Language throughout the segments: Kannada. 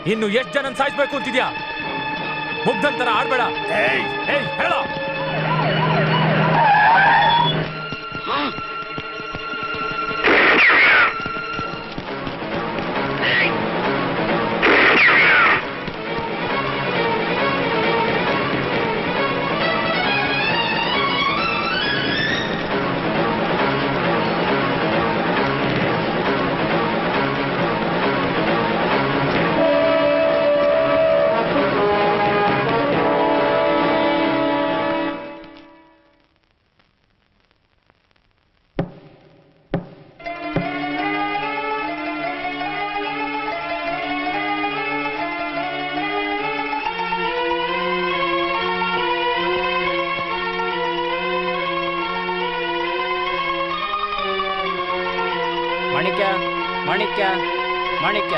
ಇನ್ನು ಎಷ್ಟು ಜನ ಸಾಯಿಸ್ಬೇಕು ಅಂತಿದ್ಯಾ? ಮುಗ್ಧಂತರ ಆಡ್ಬೇಡ. ಹೇಳ. ಮಾಣಿಕ್ಯ ಮಾಣಿಕ್ಯ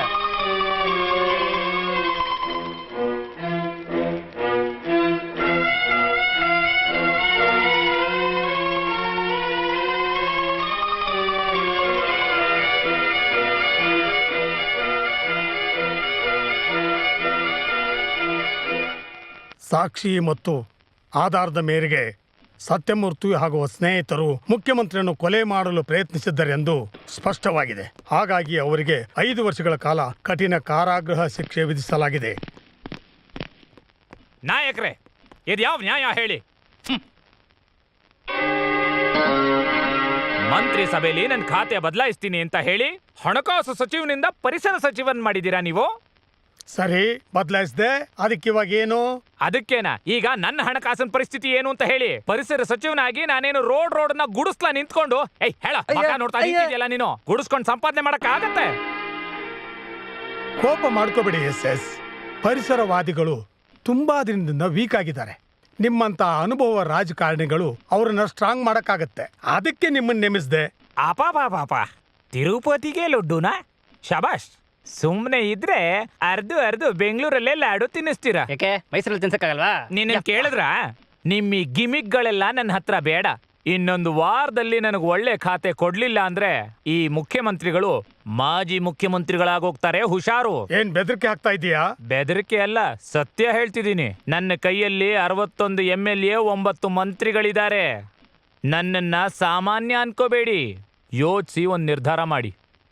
ಸಾಕ್ಷಿ ಮತ್ತು ಆಧಾರದ ಮೇರೆಗೆ ಸತ್ಯಮೂರ್ತಿ ಹಾಗೂ ಸ್ನೇಹಿತರು ಮುಖ್ಯಮಂತ್ರಿಯನ್ನು ಕೊಲೆ ಮಾಡಲು ಪ್ರಯತ್ನಿಸಿದ್ದರೆಂದು ಸ್ಪಷ್ಟವಾಗಿದೆ. ಹಾಗಾಗಿ ಅವರಿಗೆ 5 ವರ್ಷಗಳ ಕಾಲ ಕಠಿಣ ಕಾರಾಗೃಹ ಶಿಕ್ಷೆ ವಿಧಿಸಲಾಗಿದೆ. ನಾಯಕರೇ, ಇದು ಯಾವ ನ್ಯಾಯ ಹೇಳಿ? ಮಂತ್ರಿ ಸಭೆಯಲ್ಲಿ ನನ್ನ ಖಾತೆ ಬದಲಾಯಿಸ್ತೀನಿ ಅಂತ ಹೇಳಿ ಹಣಕಾಸು ಸಚಿವನಿಂದ ಪರಿಸರ ಸಚಿವನ್ ಮಾಡಿದ್ದೀರಾ ನೀವು? ಸರಿ, ಬದಲಾಯಿಸಿದೆ. ಅದಕ್ಕೆ ಇವಾಗ ಏನು? ಅದಕ್ಕೇನಾ? ಈಗ ನನ್ನ ಹಣಕಾಸಿನ ಪರಿಸ್ಥಿತಿ ಏನು ಅಂತ ಹೇಳಿ. ಪರಿಸರ ಸಚಿವನಾಗಿ ನಾನೇನು ರೋಡ್ ನ ಗುಡಿಸ್ಲಾ ನಿಂತ್ಕೊಂಡು ಹೇಳ ನೋಡ್ತಾ ನಿಂತಿದ್ಯಲ್ಲ ನೀನು. ಗುಡಿಸ್ಕೊಂಡು ಸಂಪಾದನೆ ಮಾಡಕ್ ಆಗತ್ತೆ? ಕೋಪ ಮಾಡ್ಕೋಬೇಡಿ ಎಸ್. ಪರಿಸರವಾದಿಗಳು ತುಂಬಾ ದಿನದಿಂದ ವೀಕ್ ಆಗಿದ್ದಾರೆ. ನಿಮ್ಮಂತ ಅನುಭವ ರಾಜಕಾರಣಿಗಳು ಅವ್ರನ್ನ ಸ್ಟ್ರಾಂಗ್ ಮಾಡಕ್ಕಾಗತ್ತೆ. ಅದಕ್ಕೆ ನಿಮ್ಮನ್ನ ನೇಮಿಸಿದೆ. ಪಾಪ ತಿರುಪತಿಗೆ ಲಡ್ಡುನಾ? ಶಬಾಷ್. ಸುಮ್ನೆ ಇದ್ರೆ ಅರ್ದು ಬೆಂಗಳೂರಲ್ಲೇ ಲಾಡು ತಿನ್ನಿಸ್ತೀರಾ. ಯಾಕೆ ಮೈಸೂರಲ್ಲಿ ತಿನ್ಸಕ್ಕಾಗಲ್ವಾ? ನಿನ್ನ ಕೇಳಿದ್ರ? ನಿಮ್ಮ ಗಿಮಿಕ್ಗಳೆಲ್ಲ ನನ್ನ ಹತ್ರ ಬೇಡ. ಇನ್ನೊಂದು ವಾರದಲ್ಲಿ ನನಗೆ ಒಳ್ಳೆ ಖಾತೆ ಕೊಡ್ಲಿಲ್ಲ ಅಂದ್ರೆ ಈ ಮುಖ್ಯಮಂತ್ರಿಗಳು ಮಾಜಿ ಮುಖ್ಯಮಂತ್ರಿಗಳಾಗೋಗ್ತಾರೆ. ಹುಷಾರು. ಏನ್ ಬೆದರಿಕೆ ಹಾಕ್ತಾ ಇದೀಯಾ? ಬೆದರಿಕೆ ಅಲ್ಲ, ಸತ್ಯ ಹೇಳ್ತಿದ್ದೀನಿ. ನನ್ನ ಕೈಯಲ್ಲಿ 61 MLA 9 ಮಂತ್ರಿಗಳಿದ್ದಾರೆ. ನನ್ನನ್ನ ಸಾಮಾನ್ಯ ಅನ್ಕೋಬೇಡಿ. ಯೋಚಿಸಿ ಒಂದು ನಿರ್ಧಾರ ಮಾಡಿ.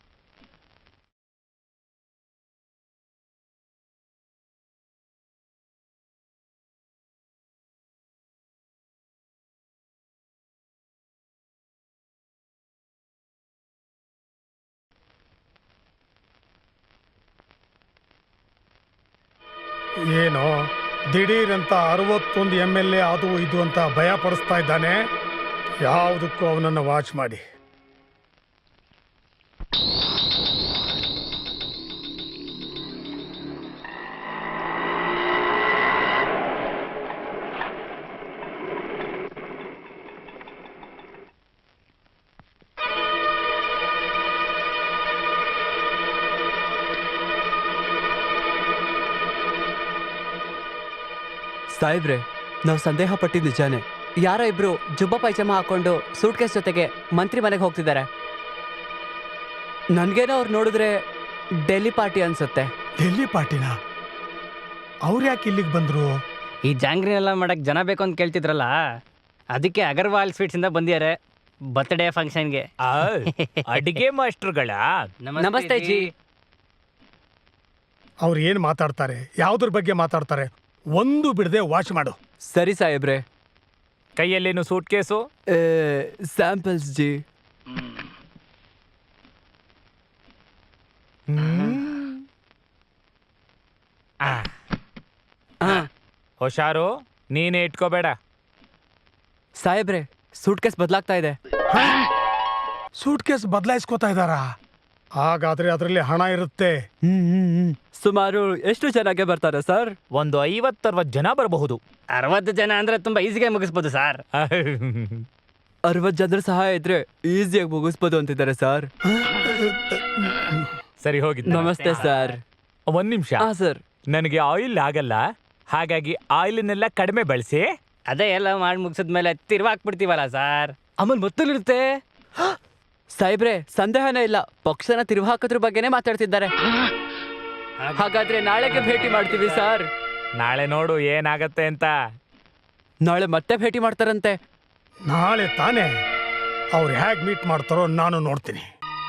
ಏನೋ ದಿಢೀರಂತ 61 MLA ಅದು ಇದು ಅಂತ ಭಯ ಪಡಿಸ್ತಾ ಇದ್ದಾನೆ. ಯಾವುದಕ್ಕೂ ಅವನನ್ನು ವಾಚ್ ಮಾಡಿ. ಸಾಹೇಬ್ರೆ, ನಾವು ಸಂದೇಹ ಪಟ್ಟಿದ್ದು ನಿಜಾನೆ. ಯಾರೋ ಇಬ್ರು ಜುಬ್ಬ ಪೈಜಾಮ ಹಾಕೊಂಡು ಸೂಟ್ ಕೇಸ್ ಜೊತೆಗೆ ಮಂತ್ರಿ ಮನೆಗೆ ಹೋಗ್ತಿದ್ದಾರೆ. ನನ್ಗೇನೋ ಅವ್ರು ನೋಡಿದ್ರೆ ಡೆಲ್ಲಿ ಪಾರ್ಟಿ ಅನ್ಸುತ್ತೆ. ಡೆಲ್ಲಿ ಪಾರ್ಟಿನ? ಅವ್ರು ಯಾಕೆ ಇಲ್ಲಿಗೆ ಬಂದ್ರು? ಈ ಜಾಂಗ್ರಿನೆಲ್ಲ ಮಾಡಕ್ ಜನ ಬೇಕು ಅಂತ ಕೇಳ್ತಿದ್ರಲ್ಲ, ಅದಕ್ಕೆ ಅಗರ್ವಾಲ್ ಸ್ವೀಟ್ಸ್ ಇಂದ ಬಂದಿದ್ದಾರೆ ಬರ್ತ್ಡೇ ಫಂಕ್ಷನ್ಗೆ. ಅಡಿಗೆ ಮಾಸ್ಟರ್ಗಳ ನಮಸ್ತೆ ಜಿ. ಅವ್ರು ಏನ್ ಮಾತಾಡ್ತಾರೆ, ಯಾವ್ದ್ರ ಬಗ್ಗೆ ಮಾತಾಡ್ತಾರೆ, ಒಂದು ಬಿಡದೆ ವಾಚ್ ಮಾಡು. ಸರಿ ಸಾಹೇಬ್ರೆ. ಕೈಯಲ್ಲೇನು ಸೂಟ್ ಕೇಸು? ಸ್ಯಾಂಪಲ್ಸ್ ಜಿ. ಹುಷಾರು, ನೀನೇ ಇಟ್ಕೋಬೇಡ. ಸಾಹೇಬ್ರೆ, ಸೂಟ್ ಕೇಸ್ ಬದಲಾಗ್ತಾ ಇದೆ. ಸೂಟ್ ಕೇಸ್ ಬದಲಾಯಿಸ್ಕೋತಾ ಇದ್ದಾರಾ? ಹಾಗಾದ್ರೆ ಅದರಲ್ಲಿ ಹಣ ಇರುತ್ತೆ. ಸುಮಾರು ಎಷ್ಟು ಜನಕ್ಕೆ ಬರ್ತಾರೆ ಸರ್? ಒಂದು 50-60 ಜನ ಬರಬಹುದು. 60 ಜನ ಅಂದ್ರೆ ತುಂಬಾ ಈಸಿಗೆ ಮುಗಿಸ್ಬೋದು ಸರ್. 60 ಜನರ ಸಹಾಯ ಇದ್ರೆ ಈಸಿಯಾಗಿ ಮುಗಿಸ್ಬೋದು ಅಂತಿದ್ದಾರೆ ಸರ್. ಸರಿ, ಹೋಗಿ. ನಮಸ್ತೆ ಸರ್. 1 ನಿಮಿಷ. ಸರ್, ನನಗೆ ಆಯಿಲ್ ಆಗಲ್ಲ, ಹಾಗಾಗಿ ಆಯಿಲ್ನೆಲ್ಲ ಕಡಿಮೆ ಬಳಸಿ. ಅದೇ ಎಲ್ಲ ಮಾಡಿ ಮುಗಿಸಿದ್ಮೇಲೆ ತಿರ್ವಾಕ್ಬಿಡ್ತೀವಲ್ಲ ಸರ್, ಆಮೇಲೆ ಮೊತ್ತಲಿರುತ್ತೆ. ಸಾಹೇಬ್ರೆ, ಸಂದೇಹನೇ ಇಲ್ಲ, ಪಕ್ಷನ ತಿರುವು ಹಾಕೋದ್ರ ಬಗ್ಗೆನೇ ಮಾತಾಡ್ತಿದ್ದಾರೆ. ಹಾಗಾದ್ರೆ ನಾಳೆಗೆ ಭೇಟಿ ಮಾಡ್ತೀವಿ ಸರ್. ನಾಳೆ ನೋಡು ಏನಾಗತ್ತೆ ಅಂತ. ನಾಳೆ ಮತ್ತೆ ಭೇಟಿ ಮಾಡ್ತಾರಂತೆ. ನಾಳೆ ತಾನೇ ಅವ್ರು ಹೇಗೆ ಮೀಟ್ ಮಾಡ್ತಾರೋ ನಾನು ನೋಡ್ತೀನಿ.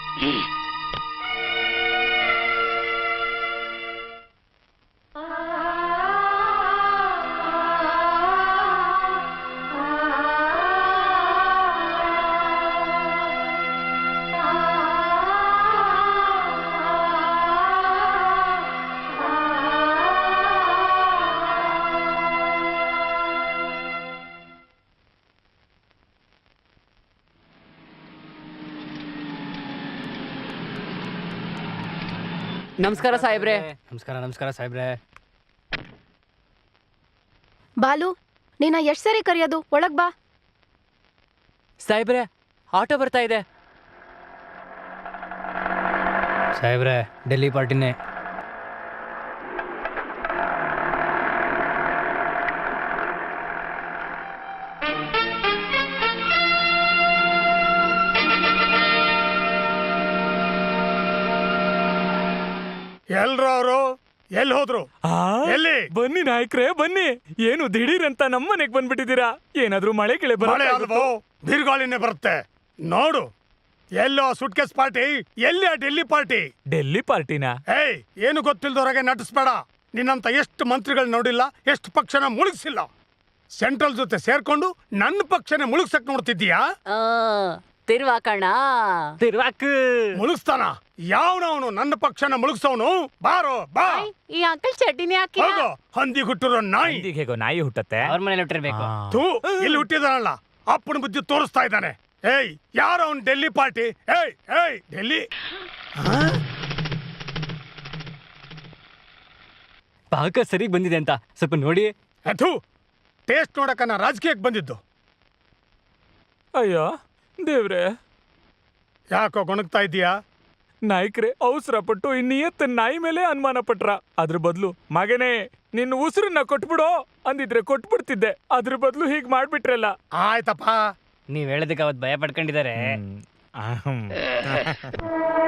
ನಮಸ್ಕಾರ ಸಾಹೇಬ್ರೆ. ನಮಸ್ಕಾರ ಸಾಹೇಬ್ರೆ. ಬಾಲು, ನೀನ ಎಷ್ಟ್ ಸರಿ ಕರೆಯೋದು? ಒಳಗ್ ಬಾ. ಸಾಹೇಬ್ರೆ, ಆಟೋ ಬರ್ತಾ ಇದೆ. ಸಾಹೇಬ್ರೆ, ಡೆಲ್ಲಿ ಪಾರ್ಟಿನೇ. ಎಲ್ರು ಅವರು ಎಲ್ಲಿ ಹೋದ್ರು? ಎಲ್ಲಿ? ಬನ್ನಿ ನಾಯಕ್ರೆ ಬನ್ನಿ. ಏನು ದಿಢೀರ್ ಅಂತ ನಮ್ಮನೆಗ್ ಬಂದ್ಬಿಟ್ಟಿದ್ದೀರಾ? ಏನಾದ್ರೂ ಮಳೆ ಗಿಳೆ ಮಳೆ ಅಲ್ವೋ, ಬಿರುಗಾಳಿನೇ ಬರುತ್ತೆ. ನೋಡು, ಎಲ್ಲೋ ಸುಟ್ಕೇಸ್ ಪಾರ್ಟಿ, ಎಲ್ಲಿ ಆ ಡೆಲ್ಲಿ ಪಾರ್ಟಿ? ಡೆಲ್ಲಿ ಪಾರ್ಟಿನಾ? ಏಯ್, ಏನು ಗೊತ್ತಿಲ್ದವ್ರಾಗೆ ನಟಿಸ್ಬೇಡ. ನಿನ್ನಂತ ಎಷ್ಟು ಮಂತ್ರಿಗಳು ನೋಡಿಲ್ಲ, ಎಷ್ಟು ಪಕ್ಷನ ಮುಳುಗಿಸಿಲ್ಲ. ಸೆಂಟ್ರಲ್ ಜೊತೆ ಸೇರ್ಕೊಂಡು ನನ್ನ ಪಕ್ಷನೇ ಮುಳುಗ್ಸಕ್ ನೋಡ್ತಿದ್ದೀಯಾ? ತಿರ್ವಾಕಣ. ತಿರ್ವಾಕ್. ಮುಳುಗಿಸ್ತಾನ? ಯಾವನವನು ನನ್ನ ಪಕ್ಷನ ಮುಳುಗ್ಸವನು? ಬಾರೋ ಬಾ. ಈ ಅಂಕಲ್ ಚಡ್ಡಿನೇ ಹಾಕಿ. ಹೋಗೋ, ಹಂದಿ ಹುಟ್ಟಿರೋ ನಾಯಿ. ಹಂದಿಗ್ ಹೇಗೋ ನಾಯಿ ಹುಟ್ಟತ್ತೆ? ಅವ್ರ ಮನೇಲಿ ಹುಟ್ಟಿರ್ಬೇಕು. ತೂ, ಇಲ್ಲಿ ಹುಟ್ಟಿದಾನಲ್ಲ, ಅಪ್ಪನ ಬುದ್ಧಿ ತೋರಿಸ್ತಾ ಇದ್ದಾನೆ. ಏಯ್, ಯಾರ ಅವನ್ ಡೆಲ್ಲಿ ಪಾರ್ಟಿ? ಏಯ್ ಏಯ್, ಡೆಲ್ಲಿ ಪಾಕ ಸರಿಗ್ ಬಂದಿದೆ ಅಂತ ಸ್ವಲ್ಪ ನೋಡಿ. ಅಥು, ಟೇಸ್ಟ್ ನೋಡಕ ನಾ ರಾಜಕೀಯಕ್ಕೆ ಬಂದಿದ್ದು. ಅಯ್ಯೋ ದೇವ್ರೆ, ಯಾಕೋ ಗೊಣಗ್ತಾ ಇದೀಯಾ? ನಾಯ್ಕ್ರೆ ಅವಸರ ಪಟ್ಟು ಇನ್ನಿಯತ್ತ ನಾಯಿ ಮೇಲೆ ಅನುಮಾನ ಪಟ್ರ. ಅದ್ರ ಬದಲು ಮಗನೇ ನಿನ್ನ ಉಸಿರನ್ನ ಕೊಟ್ಬಿಡೋ ಅಂದಿದ್ರೆ ಕೊಟ್ಬಿಡ್ತಿದ್ದೆ. ಅದ್ರ ಬದಲು ಹೀಗ್ ಮಾಡ್ಬಿಟ್ರಲ್ಲ. ಆಯ್ತಪ್ಪ. ನೀವ್ ಹೇಳೋದಕ್ಕೆ ಅವತ್ತು ಭಯ ಪಡ್ಕೊಂಡಿದ್ದಾರೆ.